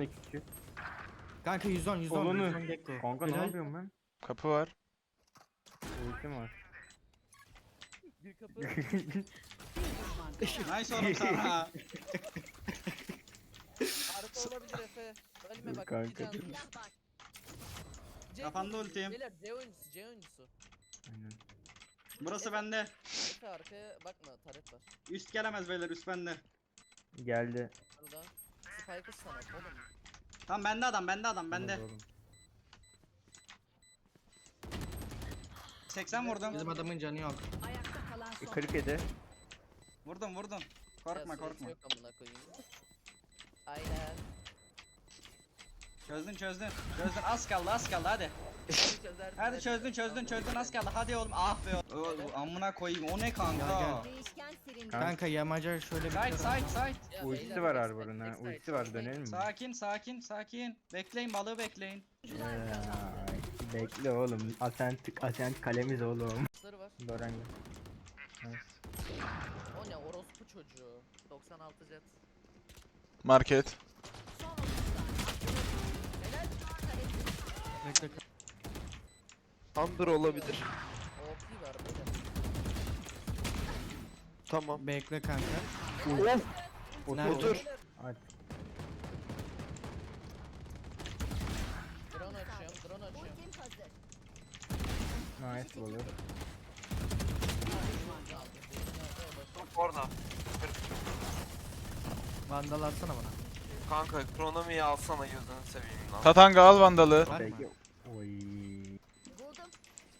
küçük. Kanka 110 Olanı. 110 Gekko. Kanka ne Helal. yapıyorum ben? Kapı var. Ultim var. Bir kapı. Nice oğlum sana. Arka olabilir Efe. Ölme Dur bak. kanka, iki dur. can. C Kafanda oyuncusu, ultiyim. Beyler C oyuncusu C oyuncusu. Aynen. Burası bende. Efe arkaya bakma taret var. Üst gelemez beyler, üst bende. Geldi. Burada. Spike'ı sana oğlum. Tamam bende adam, bende adam, bende. Olmaz oğlum. 80 vurdum. Bizim adamın canı yok. Ayakta kalan son. 47. Vurdum vurdum. Korkma Ya, korkma. Yok amına koyayım. Aynen. Çözdün çözdün. Çözdün, az kaldı az kaldı hadi. Çözersin, Hadi çözdün az kaldı hadi oğlum. Ah be oğlum. Amına koyayım, o ne kanka? Gel, Değişken serindi. Kanka yamaca şöyle bir Side side side. Ya, Ultisi beyler, var backside, Arbor'un ha. backside, Ultisi var, backside. dönelim mi? Sakin sakin sakin. Bekleyin, balığı bekleyin. Ay, bekle oğlum. Asent kalemiz oğlum. Sarı var. Doran gel. Nice. O ne orospu çocuğu. 96 jet. Market. Son 30 saniye. Helal. Bekle. Under olabilir. OP var böyle. Tamam. Bekle kanka. Otur. Otur. Hadi. Drone açıyorum drone açıyorum. Ultim hazır. Nice olur. Orada. Vandal atsana bana. Kanka kronomiyi alsana gözünü seveyim lan. Tatanga al vandalı. Var mı? Peki. Oy. Buldum.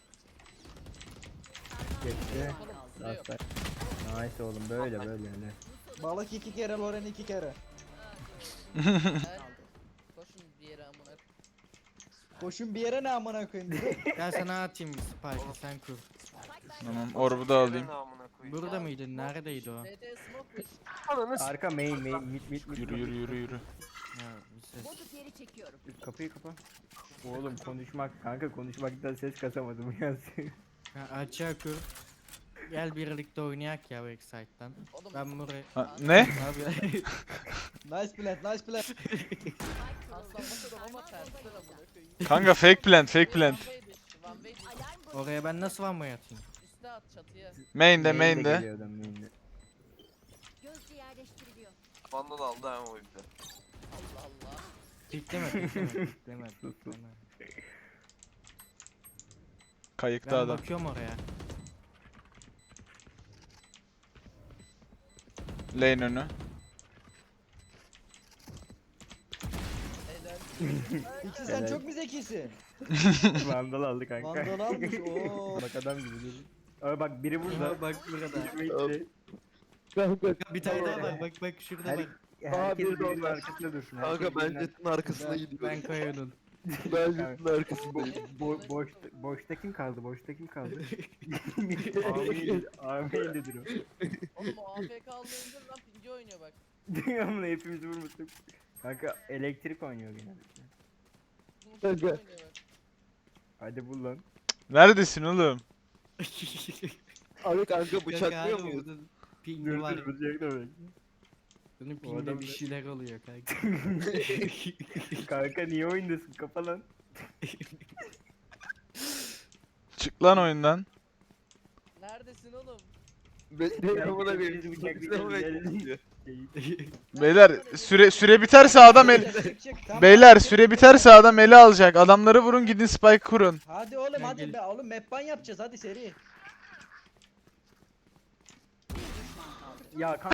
Geçti. Süre yok. Last Nice oğlum, böyle böyle öyle. Balık 2 kere, Loren 2 kere. Helal. Koşun bir yere amına. Koşun bir yere, ne amına koyayım. Gel sana atayım Spike'ı sen kur. Tamam, orbu da alayım. Ne amına koyayım. Burada mıydın? Neredeydi o? DD smoke push. Ananı s***. Arka main mid. Yürü yürü yürü yürü. Ya bir ses. Botu geri çekiyorum. Kapıyı kapa. Oğlum konuşmak kanka, konuşmaktan ses kasamadım ya. Ha, açığa kur. Gel birlikte oynayak ya Backside'dan. Oğlum. Ben buraya... Ha, ne? Abi Nice plant, nice plant. Aslan bakalım ama tersten amına koyayım. Kanka fake plant fake plant. One way dish. Alarm botu. oraya ben nasıl vanmayı atayım? Üste at çatıya. Main'de Main de main'de. geliyor adam, main'de. Gözcü yerleştiriliyor. Vandal aldı ama o yüzden. Allah Allah. Pikleme pikleme. Kayıkta Ben adam. bakıyorum oraya. Lane önü. Helal. İkisi sen sen çok çok mu zekisin? Vandal aldı kanka. Vandal almış, ooo. Bak adam gibi dedi. Abi bak biri burada. Bak burada. Bekle. Bir tane daha var bak şurada Her, bak. herkes biri de birinin orada. arkasında dursun. Kanka herkes ben birinin jetin arkasına gidiyorum. Ben koyuyordum. Ben jetin arkasındayım. boşta kim kaldı? Boşta kim kaldı? Amin dedir o. Oğlum o AFK almayınca lan pinci oynuyor bak. Dünyanın hepimizi vurmuştuk. Kanka elektrik oynuyor genellikle. Bunun pinci Kanka. oynuyor bak. Hadi bul lan. Neredesin oğlum? Abi kanka bıçaklıyor muyuz? Pingi var. bıçak da bek. Bunun O pingde adam bir ne? şeyler oluyor kanka. Kanka niye oyundasın? Kapa lan. Çık lan oyundan. Neredesin oğlum? Bekleyin amına Gel, koyayım. gel, Bıçaklıyor gel, gel. bekliyor. Beyler süre biterse adam el... Beyler süre biterse adam eli alacak. Adamları vurun gidin spike kurun. Hadi oğlum Gel, hadi gel. be oğlum, map ban yapacağız hadi seri. Ya kanka.